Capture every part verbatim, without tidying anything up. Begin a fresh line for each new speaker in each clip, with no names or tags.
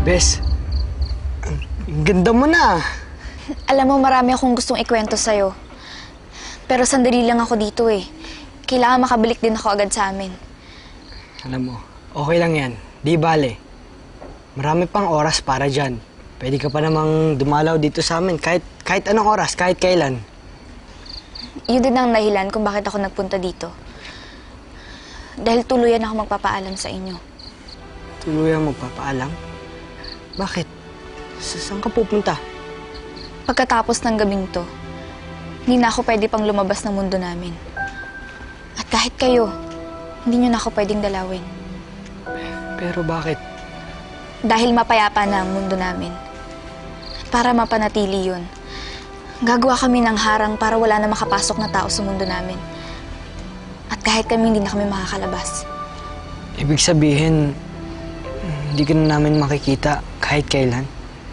Bes, ang ganda mo na.
Alam mo, marami akong gustong ikwento sa'yo. Pero sandali lang ako dito eh. Kailangan makabalik din ako agad sa amin.
Alam mo, okay lang yan. Di bale. Marami pang oras para dyan. Pwede ka pa namang dumalaw dito sa amin kahit, kahit anong oras, kahit kailan.
Yun din ang dahilan kung bakit ako nagpunta dito. Dahil tuluyan ako magpapaalam sa inyo.
Tuluyan magpapaalam? Bakit? Sa saan ka pupunta?
Pagkatapos ng gabing to, hindi na ako pwede pang lumabas ng mundo namin. At kahit kayo, hindi nyo na ako pwedeng dalawin.
Pero bakit?
Dahil mapayapa na ang mundo namin. Para mapanatili yun, gagawa kami ng harang para wala na makapasok na tao sa mundo namin. At kahit kami, hindi na kami makakalabas.
Ibig sabihin, hindi ka na namin makikita kahit kailan?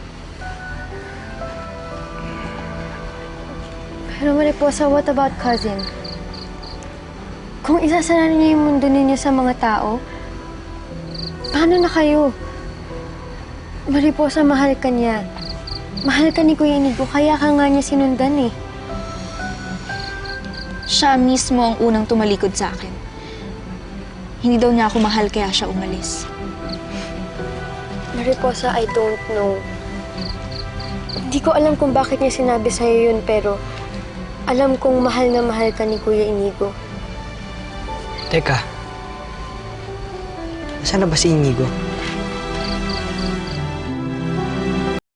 Pero Mariposa, what about cousin? Kung isasara niyo yung mundo ninyo sa mga tao, paano na kayo? Mariposa, mahal ka niya. Mahal ka ni Kuya Inigo, kaya ka nga niya sinundan eh.
Siya mismo ang unang tumalikod sa akin. Hindi daw niya ako mahal kaya siya umalis.
Mariposa, I don't know. Hindi ko alam kung bakit niya sinabi sa'yo yun, pero alam kong mahal na mahal ka ni Kuya Inigo.
Teka, nasaan na ba si Inigo?